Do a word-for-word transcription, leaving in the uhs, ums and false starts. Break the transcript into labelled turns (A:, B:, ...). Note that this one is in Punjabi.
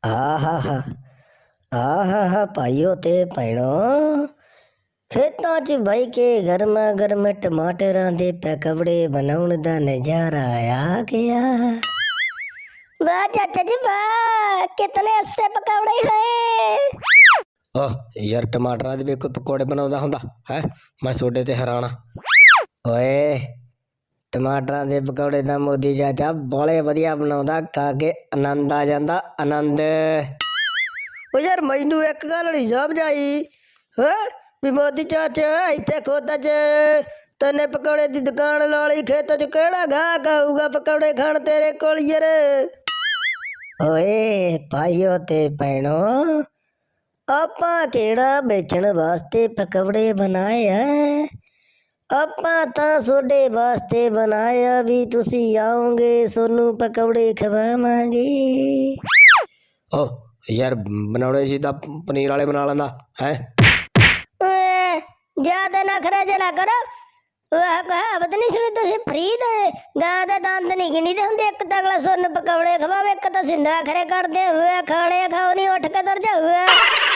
A: ਆਹਾਹਾ ਆਹਾਹਾ ਭਾਈਓ ਤੇ ਭੈਣੋ, ਖੇਤਾਂ 'ਚ ਬਹਿ ਕੇ ਗਰਮਾ ਗਰਮ ਟਮਾਟਰਾਂ ਦੇ ਪਕੌੜੇ ਬਣਾਉਣ ਦਾ ਨਜ਼ਾਰਾ ਆ ਗਿਆ। ਵਾਹ ਚਾਚਾ ਜੀ ਵਾਹ, ਕਿਤਨੇ ਅੱਛੇ ਪਕੌੜੇ ਹੈ।
B: ਆਹ ਯਾਰ ਟਮਾਟਰਾਂ ਦੇ ਵੀ ਕੋਈ ਪਕੌੜੇ ਬਣਾਉਂਦਾ ਹੁੰਦਾ ਹੈ? ਮੈਂ ਤੁਹਾਡੇ ਤੇ ਹੈਰਾਨ ਆ।
A: ਓਏ ਟਮਾਟਰਾਂ ਦੇ ਪਕੌੜੇ ਤਾਂ ਮੋਦੀ ਚਾਚਾ ਬੜੇ ਵਧੀਆ ਬਣਾਉਂਦਾ, ਖਾ ਕੇ ਆਨੰਦ ਆ ਜਾਂਦਾ, ਆਨੰਦ। ਓ ਯਾਰ ਮੈਨੂੰ ਇੱਕ ਗੱਲ ਨਹੀਂ ਸਮਝ ਆਈ ਹੈ ਵੀ ਮੋਦੀ ਚਾਚਾ ਇੱਥੇ ਖੋਤਾਂ 'ਚ ਤੈਨੇ ਪਕੌੜੇ ਦੀ ਦੁਕਾਨ ਲਾ ਲਈ, ਖੇਤਾਂ 'ਚ ਕਿਹੜਾ ਗਾਹਕ ਆਊਗਾ ਪਕੌੜੇ ਖਾਣ ਤੇਰੇ ਕੋਲ ਯਾਰ। ਓਏ ਭਾਈਓ ਤੇ ਭੈਣੋ, ਆਪਾਂ ਕਿਹੜਾ ਵੇਚਣ ਵਾਸਤੇ ਪਕੌੜੇ ਬਣਾਏ ਆ, ਆਪਾਂ ਤਾਂ ਤੁਹਾਡੇ ਵਾਸਤੇ ਬਣਾਇਆ ਵੀ ਤੁਸੀਂ ਆਓਗੇ ਤੁਹਾਨੂੰ ਪਕੌੜੇ ਖਵਾਵਾਂਗੇ।
B: ਓ ਯਾਰ ਬਣਾਉਣੇ ਸੀ ਤਾਂ ਪਨੀਰ ਵਾਲੇ ਬਣਾ ਲੈਂਦਾ ਹੈ।
A: ਜਿਆਦਾ ਨਖਰਾ ਜਲਾ ਕਰੋ। ਉਹ ਕਹਾਵਤ ਨਹੀਂ ਸੁਣੀ ਤੁਸੀਂ? ਫਰੀ ਦੇ ਗਾਂ ਦੇ ਦੰਦ ਨਹੀਂ ਗਿਣੀਦੇ ਹੁੰਦੇ, ਇੱਕ ਤਾਂ ਅਗਲਾ ਤੁਹਾਨੂੰ ਪਕੌੜੇ ਖਵਾਵੇ, ਇੱਕ ਤੁਸੀਂ ਨਖਰੇ ਕਰਦੇ ਹੋਏ ਖਾਣੇ ਖਾਓ ਨਹੀਂ, ਉੱਠ ਕੇ ਤੁਰ ਜਾਓ।